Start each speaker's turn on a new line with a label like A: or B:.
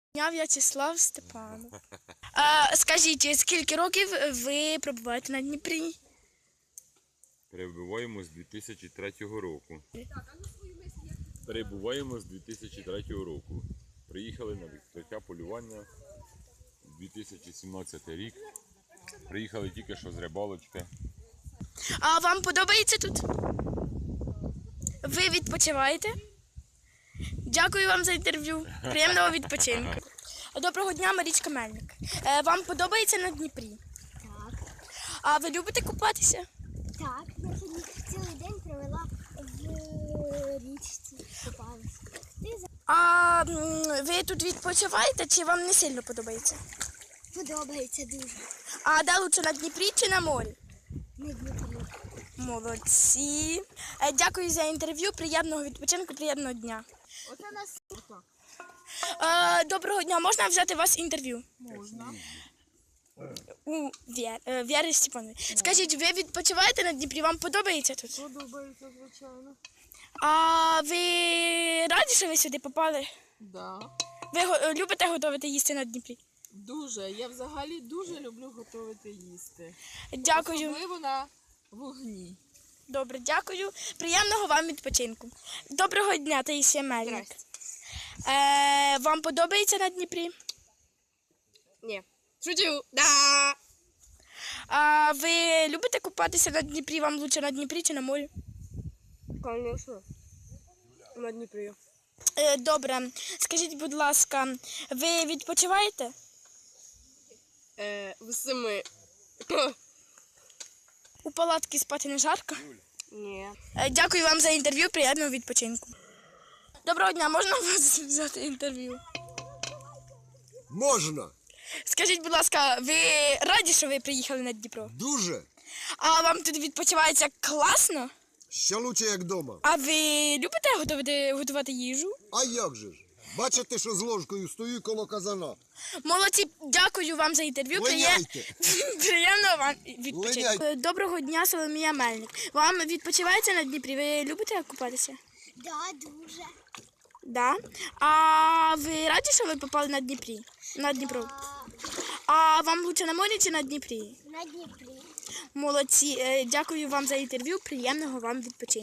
A: Я В'ячеслав Степанов. Скажіть, скільки років ви пробуваєте на Дніпрі?
B: Перебуваємо з 2003 року. Перебуваємо з 2003 року. Приїхали на відкриття полювання 2017 рік. Приїхали тільки що з рибалочки.
A: А вам подобається тут? Ви відпочиваєте? Дякую вам за інтерв'ю. Приємного відпочинку. Доброго дня, Марічка Мельник. Вам подобається на Дніпрі?
C: Так.
A: А ви любите купатися?
C: Так, я сьогодні цілий день провела в річці, купалася.
A: А ви тут відпочиваєте чи вам не сильно подобається?
C: Подобається дуже.
A: А де лучше, на Дніпрі чи на морі?
C: На Дніпрі.
A: Молодці. Дякую за інтерв'ю. Приємного відпочинку, приємного дня.
C: Оце нас фото.
A: Доброго дня. Можна взяти у вас інтерв'ю?
C: Можна.
A: У Вєри Степанової. Скажіть, ви відпочиваєте на Дніпрі? Вам подобається тут?
D: Подобається, звичайно.
A: А ви раді, що ви сюди попали?
D: Да.
A: Ви любите готувати їсти на Дніпрі?
D: Дуже. Я взагалі дуже люблю готувати їсти.
A: Дякую.
D: Особливо на вогні.
A: Добре, дякую. Приємного вам відпочинку. Доброго дня, Таїсія Мельник. Вам подобається на Дніпрі?
D: Ні. Шутю. Да.
A: А ви любите купатися на Дніпрі? Вам лучше на Дніпрі чи на морі?
D: Конечно. На Дніпрі.
A: Добре. Скажіть, будь ласка, ви відпочиваєте?
D: В 7.
A: У палатці спати не жарко?
D: Ні.
A: Дякую вам за інтерв'ю, приємного відпочинку. Доброго дня, можна у вас взяти інтерв'ю?
E: Можна.
A: Скажіть, будь ласка, ви раді, що ви приїхали на Дніпро?
E: Дуже.
A: А вам тут відпочивається класно?
E: Ще лучше, як вдома.
A: А ви любите готувати їжу?
E: А як же ж? Бачите, що з ложкою стою коло казана.
A: Молодці, дякую вам за інтерв'ю.
E: Линяйте.
A: Приємного вам відпочинку.
E: Линяйте.
A: Доброго дня, Соломія Мельник. Вам відпочивається на Дніпрі? Ви любите купатися?
C: Да, дуже.
A: Да. А ви раді, що ви попали на Дніпрі? На Дніпро? А вам лучше на морі чи на Дніпрі?
C: На Дніпрі.
A: Молодці. Дякую вам за інтерв'ю. Приємного вам відпочинку.